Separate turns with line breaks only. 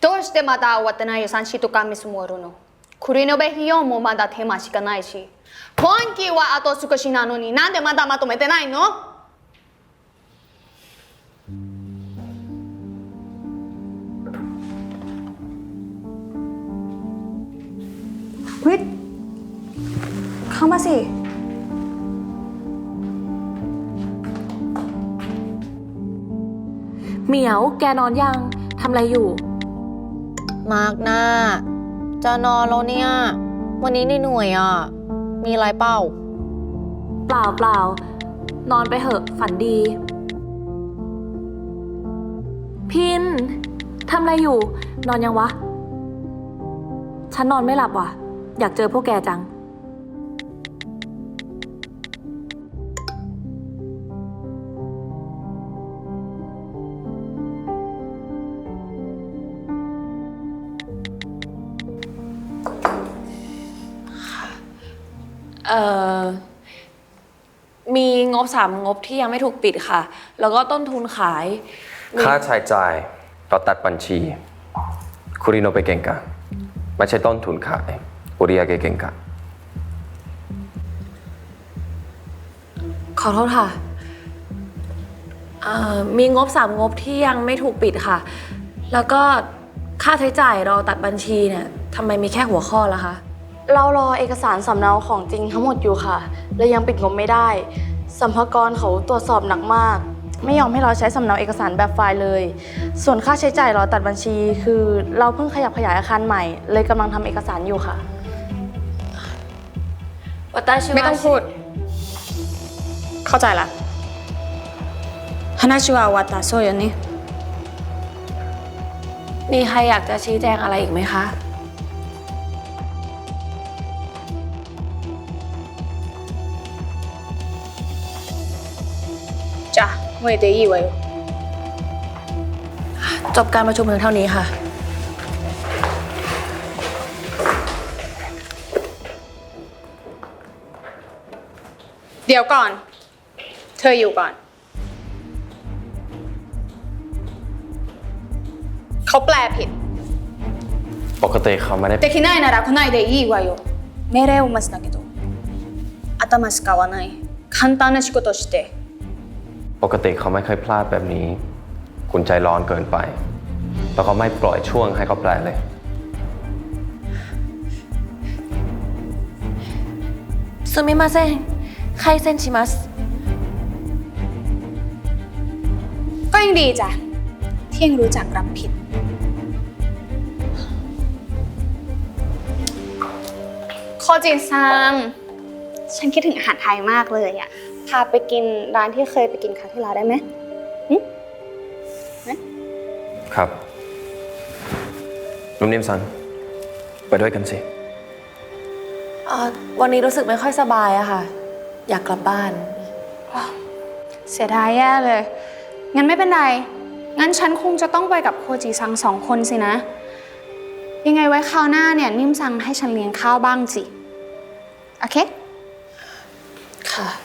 どうしてまだ終わってない予算シートが見積もるの？クリノベ費用もまだ手間しかないし、今期はあと少しなのになんでまだまとめてないの？เฮ้ยเข้ามาสิ
เหมียวแกนอนยังทำอะไรอยู่
มาร์กหน้าจะนอนแล้วเนี่ยวันนี้เหนื่อยอ่ะมีอะไรเปล่า
เปล่านอนไปเถอะฝันดีพินทำอะไรอยู่นอนยังวะฉันนอนไม่หลับว่ะอยากเจอพวกแกจังมีงบ3งบที่ยังไม่ถูกปิดค่ะแล้วก็ต้นทุนขาย
ค่าใช้จ่ายเราตัดบัญชีคุริโนไปเก่งกะไม่ใช่ต้นทุนขายอุริยาเกเก่งกะ
ขอโทษค่ะมีงบ3งบที่ยังไม่ถูกปิดค่ะแล้วก็ค่าใช้จ่ายเราตัดบัญชีเนี่ยทำไมมีแค่หัวข้อล่ะคะ
เรารอเอกสารสำเนาของจริงทั้งหมดอยู่ค่ะและยังปิดงบไม่ได้สัมภากรเขาตรวจสอบหนักมากไม่ยอมให้เราใช้สำเนาเอกสารแบบไฟล์เลยส่วนค่าใช้จ่ายรอตัดบัญชีคือเราเพิ่งขยับขยายอาคารใหม่เลยกำลังทำเอกสารอยู่ค่ะ
ไม่ต้องพูดเข้าใจละ話は終わったそうよね
มีใครอยากจะชี้แจงอะไรอีกไหมคะ
จ้ะもうでいいわよ
จบการประชุมเพียงเท่านี้ค่ะ
เดี๋ยวก่อนเธออยู่ก่อนเขาแปลผิด
ปกติเขาไม่ได้
できないなら来ないでいいわよ命令を待つだけど頭使わない簡単な仕事して
ปกติเขาไม่เคยพลาดแบบนี้คุณใจร้อนเกินไปแล้วก็ไม่ปล่อยช่วงให้เขาแปลเลย
すみません開戦します
ก็ยังดีจ้ะที่ยังรู้จักรับผิดโคจิซังฉันคิดถึงอาหารไทยมากเลยอ่ะพาไปกินร้านที่เคยไปกินครั้งที่แล้วได้ไหม
ครับนุ่มนิ่มซังไปด้วยกันสิ
วันนี้รู้สึกไม่ค่อยสบายอะค่ะอยากกลับบ้าน
เสียดายแย่เลยงั้นไม่เป็นไรงั้นฉันคงจะต้องไปกับโคจิซัง2 คนสินะยังไงไว้คราวหน้าเนี่ยนิ่มซังให้ฉันเลี้ยงข้าวบ้างสิโอเค
ค่ะ